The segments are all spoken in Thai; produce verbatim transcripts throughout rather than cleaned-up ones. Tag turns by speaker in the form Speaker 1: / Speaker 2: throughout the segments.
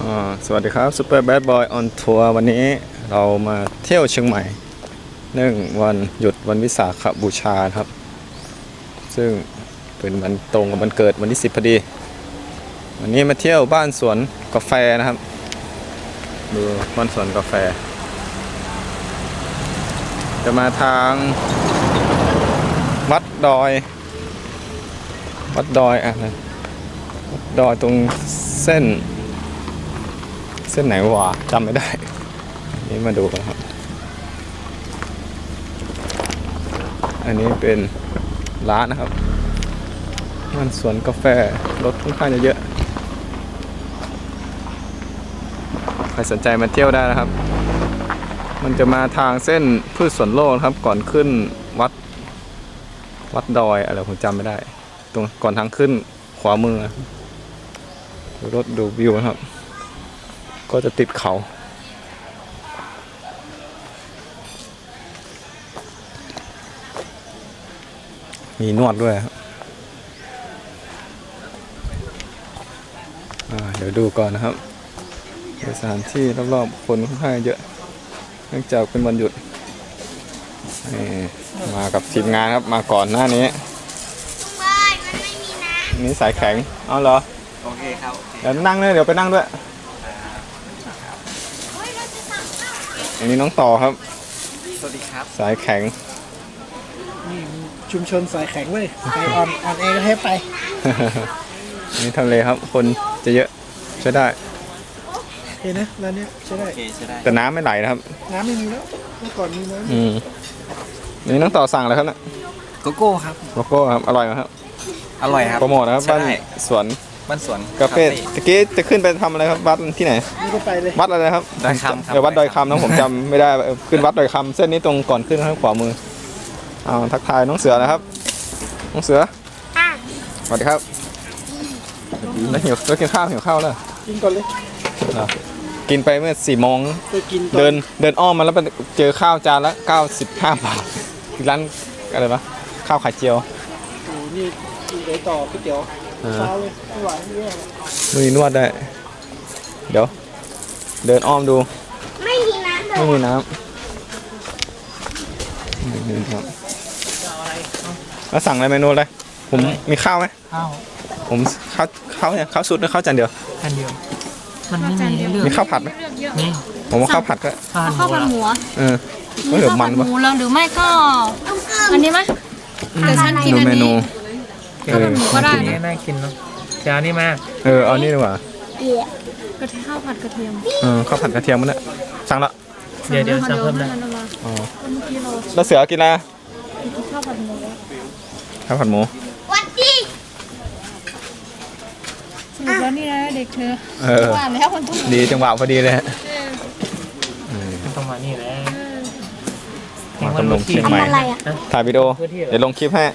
Speaker 1: สวัสดีครับซูเปอร์แบดบอยออนทัวร์วันนี้เรามาเที่ยวเชียงใหม่เนื่องวันหยุดวันวิสาขบูชาครับซึ่งเป็นวันตรงกับวันเกิดวันที่สิบพอดีวันนี้มาเที่ยวบ้านสวนกาแฟนะครับดูบ้านสวนกาแฟจะมาทางวัดดอยวัดดอยอ่ะนะวัดดอยตรงเส้นเส้นไหนวะจำไม่ได้นี่มาดูกันครับอันนี้เป็นร้านนะครับมันสวนกาแฟรถค่อนข้างจะเยอะใครสนใจมาเที่ยวได้นะครับมันจะมาทางเส้นพืชสวนโลกครับก่อนขึ้นวัดวัดดอยอะไรผมจำไม่ได้ตรงก่อนทางขึ้นขวามือดูรถดูวิวนะครับก็จะติดเขามีนวดด้วยครับเดี๋ยวดูก่อนนะครับสถานที่รอบๆคนค่อนข้างเยอะเนื่องจากเป็นวันหยุดมากับทีมงานครับมาก่อนหน้านี้นี่สายแข็งเอาเหรอ
Speaker 2: โอเคครับ
Speaker 1: เดี๋ยวนั่งเลยเดี๋ยวไปนั่งด้วยอันนี้น้องต่อครับ
Speaker 2: สวัสดีครับ
Speaker 1: สายแข็ง
Speaker 3: นี่ชุมชนสายแข็งเว้ยไปออนออนเอก็ให้ไป
Speaker 1: นี่ทำเลครับคนจะเยอะใช้ได้
Speaker 3: เห็นนะร้านนี้ใช้ได้
Speaker 1: แต่น้ำไม่ไหลนะครับ
Speaker 3: น้ำไม่มีแล้วเมื่อก่อนมีน้ำ
Speaker 1: อืมนี่น้องต่อสั่งอะไรครับเนี่ย
Speaker 2: โกโก้ครับ
Speaker 1: โกโก้ครับอร่อยไหมครับ
Speaker 2: อร่อยครับ
Speaker 1: โปรโมทนะครับบ้านสวน
Speaker 2: บ้านสวน
Speaker 1: กาแฟตะกี้จะขึ้นไปทำอะไรครับวัดที่ไหน
Speaker 3: นี่ก็ไปเลย
Speaker 1: วัดอะไรครับ
Speaker 2: ดอยคำครับ
Speaker 1: เออวัดดอยคำนะผมจำไม่ได้ขึ้นวัดดอยคำเส้นนี้ตรงก่อนขึ้นข้างขวามือเอาทักทายน้องเสือนะครับน้องเสือสวัสดีครับแล้วหิวแล้วกินข้าวหิวข้าวแล้ว
Speaker 3: กินก่อนเลย
Speaker 1: กินไปเมื่อสี่โมงเดินเดินอ้อมมาแล้วไปเจอข้าวจานละเก้าสิบห้าบาทร้านอะไรปะข้าวไข่เจียว
Speaker 3: โอ้นี่ไปต่อก๋วยเตี๋ยวเช้าเลยไม่ไหวไม่ไหว
Speaker 1: มือนวดได้เดี๋ยวเดินอ้อมดู
Speaker 4: ไม่มีน้ำ
Speaker 1: ไม่มีน้ำนี่ครับแล้วสั่งอะไรเมนูอะไรผมมีข้าวไหม
Speaker 3: ข้าว
Speaker 1: ผมข้าวข้าวเนี่ยข้าวสุดหรือข้าวจานเดียว
Speaker 3: จานเดียวมันไม่มีเลือก
Speaker 1: มีข้าวผัดไหม
Speaker 3: นี่
Speaker 1: ผมว่าข้าวผัดก็
Speaker 4: ข้าวผัดหมู
Speaker 1: เออก็เหลือมัน
Speaker 4: หมูแล้วหรือไม่ก็อันนี้ไหมเดี๋ยวฉันกินอันนี้ข้าวผัดหมูก็ได้นะ
Speaker 3: น่ากินเนาะจานนี้มา
Speaker 1: เออเอานี่ดีกว่า
Speaker 4: กระเทียมข้าวผัดกระเทียม
Speaker 1: เออข้าวผัดกระเทียมมันเนี่ยสั่งละ
Speaker 3: เดี๋ยวเดี๋ยวสั่งเพิ่มนะ
Speaker 1: อ๋อแล้วเสือกินอะไร
Speaker 4: ข้าวผัดหมู
Speaker 1: ข้าวผัดหมู
Speaker 4: วัดดีสรุปแล้วนี่นะเด็กเธอว่าแล้วคนทุก
Speaker 1: ดีจังหวะพอดีเลย
Speaker 3: ต้องมานี่แหละ
Speaker 1: มาตำลงเชียงใหม่ถ่ายวิดีโอเดี๋ยวลงคลิปให้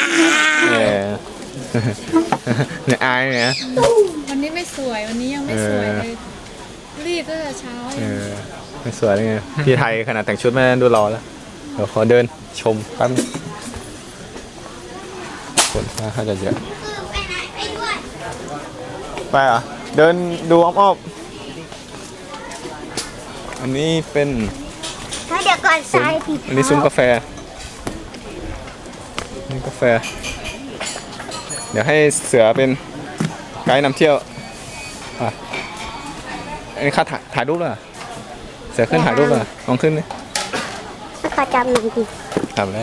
Speaker 1: เนี่ยอายเนี่ย
Speaker 4: วันนี้ไม่สวยวันนี้ยังไม่สวยเลยรีบตั้งแต่เช้า
Speaker 1: ไม่สวยเลยไงพี่ไทยขนาดแต่งชุดไม่ดูรอแล้วเดี๋ยวขอเดินชมแป๊บคนน่าจะเยอะไปอ่ะเดินดูอ้อมๆอันนี้เป็น
Speaker 4: เดี๋ยวก่อนสายผิด
Speaker 1: อันนี้ซุ้มกาแฟนี่กาแฟเดี๋ยวให้เสือเป็นไกด์นำเที่ยวอ่ะอันนี้ข้าถ่ายถ่ายรูปเลยเสือขึ้นถ่ายรูปเลยลองขึ้นดิ
Speaker 4: ขอจำหนึ่งที
Speaker 1: ทำได้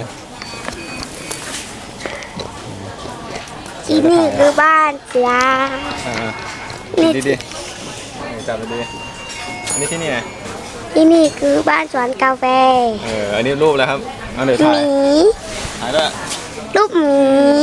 Speaker 4: ที่นี่คือบ้านเสือ
Speaker 1: นี่ดีดีจับไปดีอันนี้ที่นี่ไง
Speaker 4: ที่นี่คือบ้านสวนกาแฟ
Speaker 1: เอออันนี้รูปแล้วครับเอาเดี๋ยวถ่ายถ่ายด้วย
Speaker 4: รูปหมี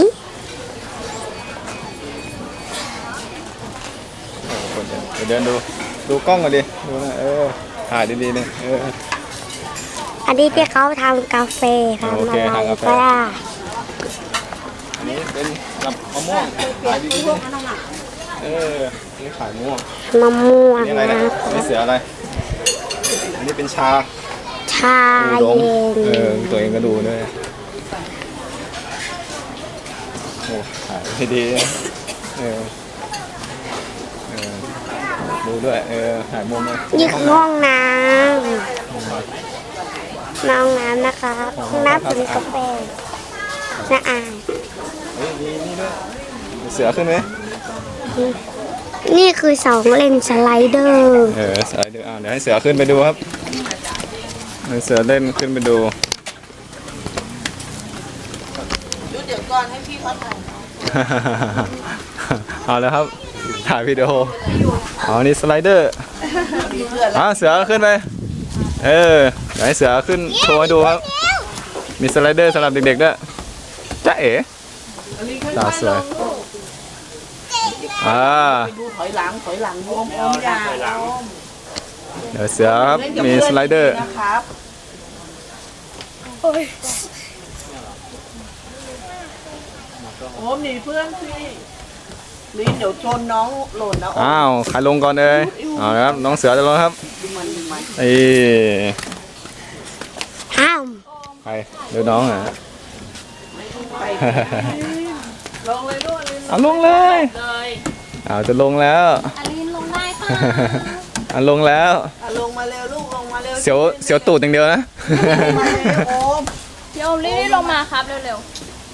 Speaker 1: เดี๋ยวเดินดูดูกล้องก่อนดิดูนะเออถ่ายดีๆเนี่ยเออ
Speaker 4: อันนี้ที่เขาทำกาแฟทำอะไรก็ได้
Speaker 1: อันนี้เป็นกับมะม่วงขายดีๆเออนี่ขายม่วง
Speaker 4: มะม่วง
Speaker 1: นี่อะไรนะนี่เสืออะไรอันนี้เป็นชา
Speaker 4: ชาเย็น
Speaker 1: เออตัวเองก็ดูด้วยโอ้ถ่ายให้ดีเออเออดูดูด้วยเออถ่ายมุมเลย
Speaker 5: นี่คือห้องน้ำน้องน้ำนะคะห้องน้ำเป็นกาแฟสะอาด
Speaker 1: เฮ้ยมีนี่ด้วยเสือขึ้นไหม
Speaker 5: นี่คือสองเลนสไลเดอร์
Speaker 1: เออเสือเดี๋ยวอ่าเดี๋ยวให้เสือขึ้นไปดูครับให้เสือเล่นขึ้นไปดู
Speaker 3: เดี๋ยวก่อนให้พี่เขาถ่าย
Speaker 1: เอาแล้วครับถ่ายวิดีโออ๋อนี่สไลเดอร์อ่าเสือขึ้นไปเออเดี๋ยวให้เสือขึ้นโชว์ให้ดูครับมีสไลเดอร์สำหรับเด็กๆด้วยจ๊ะเอ๋ตาสวยอ่า
Speaker 3: ดูถอยหลังถอยหลังรวมอมยา
Speaker 1: เดี๋ยวเสือครับมีสไลเดอร์
Speaker 3: นะครับโอ้หนีเพื่อนสิลินเดี๋ยวชนน้องหล่นนะ
Speaker 1: อ้าวใครลงก่อนเลยเอาละครับน้องเสือจะลงครับไอ้
Speaker 5: ห้าม
Speaker 1: ใครดูน้องอ่ะ
Speaker 3: ลงเลยลูกลิน
Speaker 1: เอาลงเลยเอาจะลงแล้ว
Speaker 4: อลินลงได้ป่ะ
Speaker 1: เอาลงแล้ว
Speaker 3: อ่ะลงมาเร็วลูกลงมาเร็ว
Speaker 1: เสียวเสียวตูดอย่างเดียวนะ
Speaker 3: มาเร็วโอม
Speaker 4: เดี๋ยวรีบลงมาครับเร็ว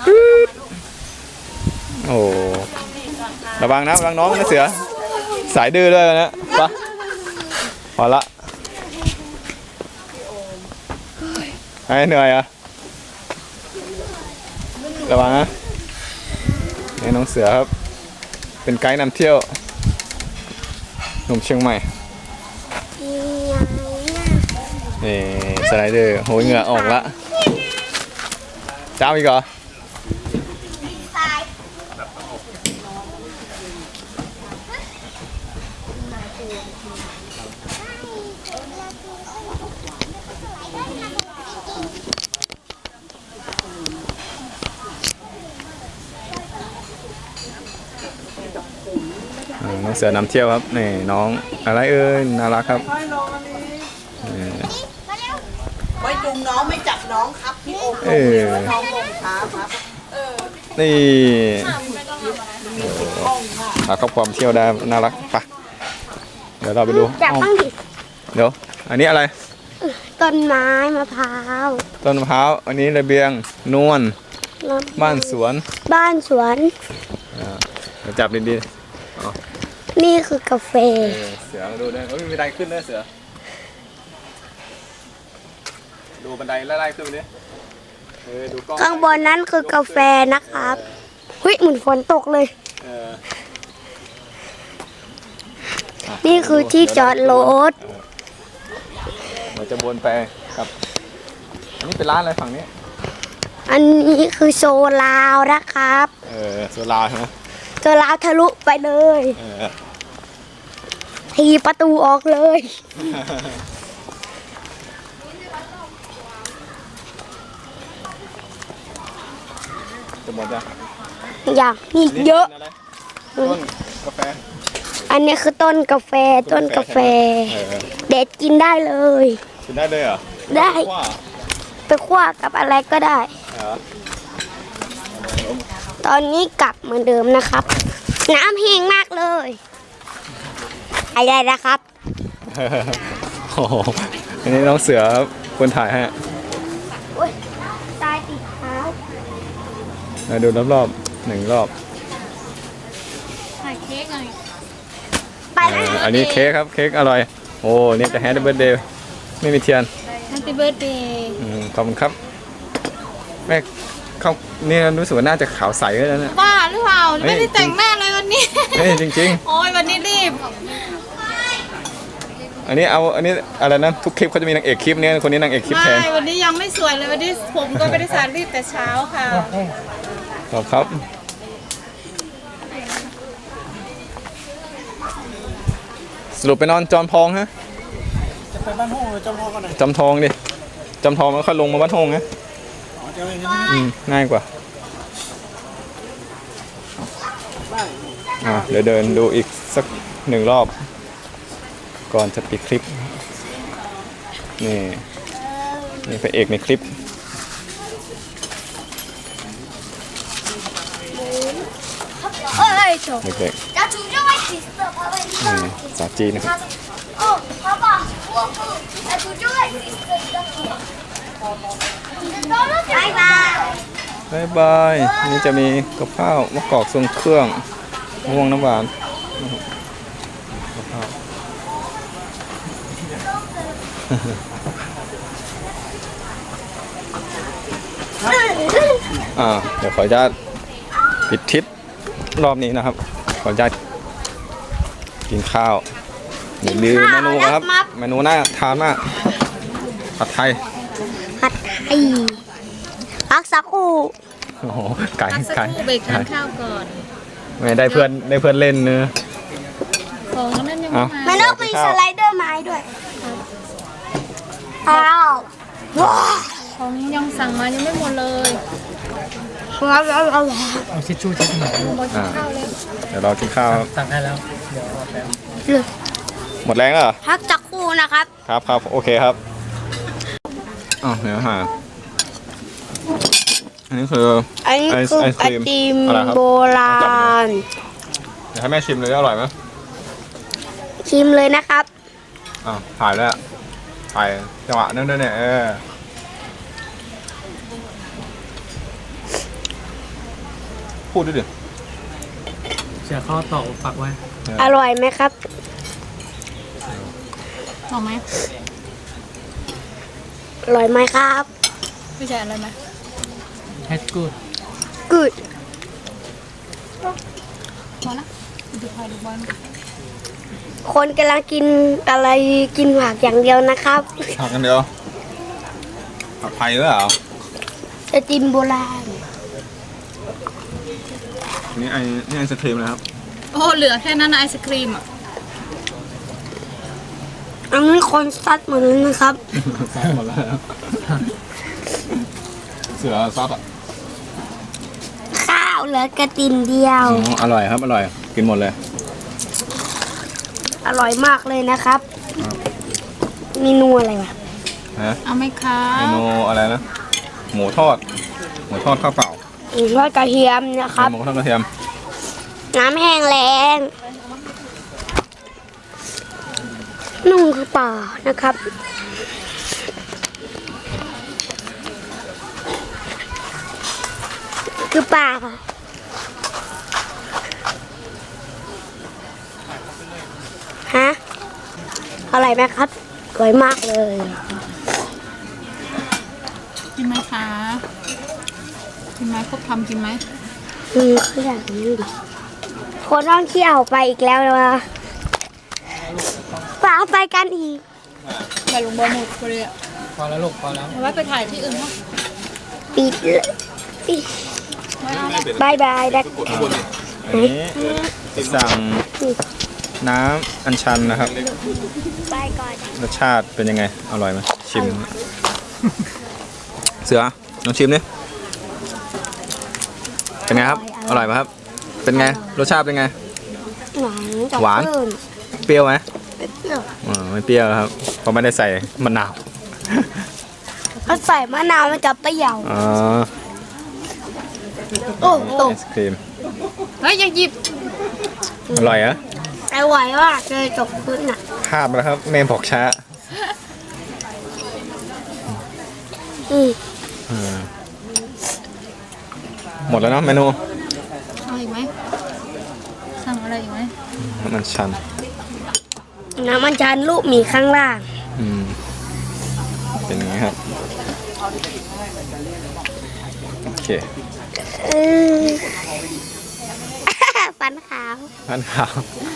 Speaker 1: โอ้ระวังนะระวังน้องนะเสือสายดื้อด้วยนะไปะพอละให้เหนื่อยอ่ะระวังนะนี่น้องเสือครับเป็นไกด์นำเที่ยวหนุ่มเชียงใหม่นี่สไลเดอร์โหยเหงื่อออกละเจ้าอีกเหรอน้องเสือนำเที่ยวครับนี่น้องอะไรเอ่ยน่ารักครับ
Speaker 3: ค่อยลงอันนี้
Speaker 1: นี่
Speaker 3: ไม่จุงน้องไม่จับน้องครับพี่โอมล
Speaker 1: เอง
Speaker 3: เร็ว
Speaker 1: อ
Speaker 3: น้องลงช้าครับ
Speaker 1: นี่เราก็ความเที่ยวได้น่ารักปะเดี๋ยวเราไปดู
Speaker 5: จับ
Speaker 1: อ้าว
Speaker 5: บ้างดิ
Speaker 1: เดี๋ยวอันนี้อะไร
Speaker 5: ต้นไม้มะพร้าว
Speaker 1: ต้นมะพร้าวอันนี้ระเบียงนวลบ้านสวน
Speaker 5: บ้านสวน
Speaker 1: เดี๋ยวจับดี
Speaker 5: นี่คือกาแฟ
Speaker 1: ๆเออเสือมาดูด้วยเอ้ยมีบันไดขึ้นด้วยเสือดูบันไดไล่ๆขึ้นไปดิเออดูกล้อง
Speaker 5: ข้างบนนั้นคือกาแฟนะครับเฮ้ยเหมือนฝนตกเลย
Speaker 1: เออ
Speaker 5: นี่คือที่จอดรถ
Speaker 1: เราจะวนไปครับอันนี้เป็นร้านอะไรฝั่งนี้
Speaker 5: อันนี้คือโซลาวนะครับ
Speaker 1: เออโซลาใช่ไหม
Speaker 5: โซลาวทะลุไปเลย
Speaker 1: เออ
Speaker 5: ทีประตูออกเลย
Speaker 1: จะหมดยัง
Speaker 5: อย่างนี่เยอะ
Speaker 1: ต้นกาแฟ
Speaker 5: อันนี้คือต้นกาแฟต้นกาแฟ
Speaker 1: เออ
Speaker 5: เด็ดกินได้เลย
Speaker 1: กินได้เลยเหรอ
Speaker 5: ได้
Speaker 1: ว้า
Speaker 5: ไปคั่วกับอะไรก็ได้
Speaker 1: เหรอ
Speaker 5: ตอนนี้กลับเหมือนเดิมนะครับ น้ำแห้งมากเลยอะไรนะครับ
Speaker 1: โอ้โหอันนี้น้องเสือครับคนถ่ายให้
Speaker 5: อุ้ยตายติดเท้า
Speaker 1: มาดูรอบๆหนึ่งรอบ
Speaker 4: ๆถ่ายเค้กหน่อย
Speaker 5: ไป
Speaker 1: เอ
Speaker 5: แล้ว
Speaker 1: ออันนี้เค้กครับเค้กอร่อยโอ้นี่จะแฮปปี้เบิร์ดเดย์ไม่มีเทียน
Speaker 4: แฮปปี้เบิร์ดเดย์
Speaker 1: อืมขอบคุณครับแม่เขาเนี่ยรู้สึกว่าน่าจะขาวใสแล้วเนี่ย
Speaker 4: บ้าหรือเปล่า
Speaker 1: เฮ้ย
Speaker 4: ไม่ได้แต่งหน้าเลยวันนี้
Speaker 1: เฮ้ยจริง
Speaker 4: โอ้ยวันนี้รีบ
Speaker 1: ๆ อันนี้เอาอันนี้อะไรนะทุกคลิปเขาจะมีนางเอกคลิปเนี้คนนี้นางเอกคลิป
Speaker 4: ไม่
Speaker 1: แทน
Speaker 4: วันนี้ยังไม่สวยเลยวันนี้ผมก็ไม่ได้สระรีบแต่เช้าค่ะ
Speaker 1: ขอบครับสรุปไปนอนจอมทองฮะ
Speaker 3: จะไปบ้านห้องหรือจะรอกันหน่อย
Speaker 1: จอมทองดิจอมทองแล้วค่อยลงมาวัดทงนะ
Speaker 3: อ๋อจะอะไรกัน
Speaker 1: อืมง่ายกว่า
Speaker 3: ได้
Speaker 1: อ่ะเดี๋ยวเดินดูอีกสักหนึ่งรอบ ก่อนจะปิดคลิป นี่ นี่พระเอกในคลิป
Speaker 5: เอ้ยโถ
Speaker 1: เด็ก
Speaker 5: จับ
Speaker 1: นี่สาวจีนนะครับ
Speaker 5: บ๊ายบาย
Speaker 1: บายบายนี่จะมีกับข้าวมะกอกทรงเครื่องมะม่วงน้ำหวานนะครับกับข้าวอ่าเดี๋ยวขออนุญาตปิดทริปรอบนี้นะครับ ขออนุญาตกินข้าวเดี๋ยวลืมเมนูครับ เมนูน่าทานมากผัดไทย
Speaker 5: ผัดไทยพักสักครู่
Speaker 1: โอ้โหไก่
Speaker 4: พักสัก
Speaker 1: ไก่
Speaker 4: ครู่เบรกทานข้าวก่อน
Speaker 1: ไม่ได้เพื่อนได้เพื่อนเล่นเนื้อ
Speaker 4: ของนั่นยัง
Speaker 1: เอา
Speaker 4: ไม่
Speaker 5: มั
Speaker 4: มาน
Speaker 5: ต้องมีสไลเดอร์ไม้ด้วยอ้าวว้าว
Speaker 4: ของยังสั่งมายังไม่หมดเลย
Speaker 5: ว้าวว้าวว้าว
Speaker 6: เอาทิชชู่เช็ดหน่อย
Speaker 4: หมดข้าวเลย
Speaker 1: เดี๋ยวเรากินข้าว
Speaker 6: สั่งให้แล้ว เดี๋ยวเอาแป๊บ
Speaker 1: หมดแรงแล้วเหรอ
Speaker 5: พักสักครู่นะครับ
Speaker 1: ครับครับโอเคครับอ๋อเนื้อหาอันนี้คือ
Speaker 5: อันนี้คือ
Speaker 1: ไอ
Speaker 5: ไอ
Speaker 1: ศกรีม
Speaker 5: ติม
Speaker 1: อะไรครับ
Speaker 5: โบราณ
Speaker 1: เดี๋ยวให้แม่ชิมเลยอร่อยไหม
Speaker 5: ชิมเลยนะครับ
Speaker 1: อ่าวถ่ายแล้วถ่ายจังหวะนั้นด้วยเนี่ยเออพูดด้วยดิ
Speaker 6: เสียข้อต่อปักไว้
Speaker 5: อร่อยไหมครับ
Speaker 4: หอมไหม
Speaker 5: อร่อยไหมครับ
Speaker 4: ไม่ใช่อะไรไหม
Speaker 6: แฮชกูด
Speaker 5: good
Speaker 4: พอละดูพายดูบอล
Speaker 5: คนกำลังกินอะไรกินผักอย่างเดียวนะครับ
Speaker 1: ผักกันเดียวผัดไทยด้วยเหรอ
Speaker 5: ไอติมโบราณ
Speaker 1: นี่ไอนี่ไอศครีมนะครับ
Speaker 4: โอ้เหลือแค่นั้นนะไอศครีมอ่ะ
Speaker 5: อันนี้คนซัดเหมือนกันนะครับ
Speaker 1: ซัดหมดแล้วเสือซัดอ่ะ
Speaker 5: ข้าวเหลือกระติมเดียว
Speaker 1: อ๋ออร่อยครับอร่อยกินหมดเลย
Speaker 5: อร่อยมากเลยนะครับเมนูอะไรวะ
Speaker 1: ฮะ
Speaker 4: เอาไหมคะ
Speaker 1: เมนูอะไรนะหมูทอดหมูทอดข้าวเปล่า
Speaker 5: หมูทอดกระเทียมนะครับ
Speaker 1: หมูทอดกระเทียม
Speaker 5: น้ำแห้งแรงนุ่งคือป่านะครับ คือป่าค่ะฮะอะไรไหมครับสวยมากเลย
Speaker 4: กินไหมคะกินไหมครบคำกินไหม
Speaker 5: อืมเขาอยากนี้ดิคนท่องเที่ยวไปอีกแล้วเลยวะป่าไปกันอีก
Speaker 4: ไปลงบอลหมดเลยอ่ะ
Speaker 6: พอแล้วลูกพอแล้ว
Speaker 4: เอาไว้ไปถ่ายที่อื่นเนาะ
Speaker 5: ปิดเลยปิด
Speaker 4: ไม่เอาละ
Speaker 5: บายบายนะ
Speaker 1: อันนี้สั่งน้ำอัญชันนะครับ
Speaker 5: ไปก่อน
Speaker 1: รสชาติเป็นยังไงอร่อยไหมชิม เสือลองชิมดิเป็นไงครับ อร่อยไหมครับ เป็นไงรสชาติเป็นไง
Speaker 5: หวานจับ
Speaker 1: หวาน
Speaker 5: คลื่น
Speaker 1: เปรี้ยวไหม
Speaker 5: เปรี้ยว
Speaker 1: อ๋อไม่เปรี้ยวครับเพราะไม่ได้ใส่มะนาว
Speaker 5: ถ้าใส่มะนาวมันจะเปรี้ยว
Speaker 1: อ๋อ
Speaker 5: โอ้โห
Speaker 1: ไอศครีม
Speaker 4: เฮ้ยอย่าหยิบ
Speaker 1: อร่อยเหรอะ
Speaker 5: อร่อยมากเลยจบพื้นอ่ะ
Speaker 1: พลาดไปแล้วครับเมมบอกช้า
Speaker 5: อืม
Speaker 1: อืมหมดแล้วเนาะเมนู
Speaker 4: เอาอีกไหมสั่งอะไรอีกไหม
Speaker 1: น้ำมันชัน
Speaker 5: น้ำมันชันลูกหมีข้างล่าง
Speaker 1: อืมเป็นอย่างนี้ครับโอเค
Speaker 5: เออ ฟันขาว
Speaker 1: พันขาว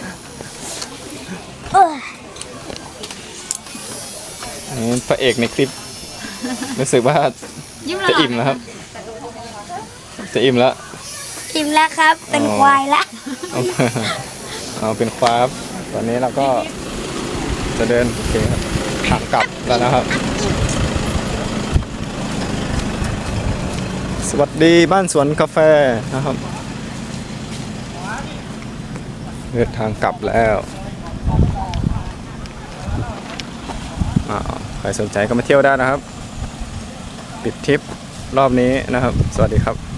Speaker 5: เออ
Speaker 1: อันนี้พระเอกในคลิปรู้สึกว่า
Speaker 4: ยิ้ม
Speaker 1: จะอิ่มแล้วครับ จะอิ่มแล้ว
Speaker 5: อิ่มแล้วครับ เป็นควายละ
Speaker 1: เอาเอาเป็นควาบตอนนี้เราก็จะเดินโอเคครับทางกลับแล้วนะครับ สวัสดีบ้านสวนกาแฟนะครับเดินทางกลับแล้วอ่าใครสนใจก็มาเที่ยวได้นะครับ ปิดทริปรอบนี้นะครับ สวัสดีครับ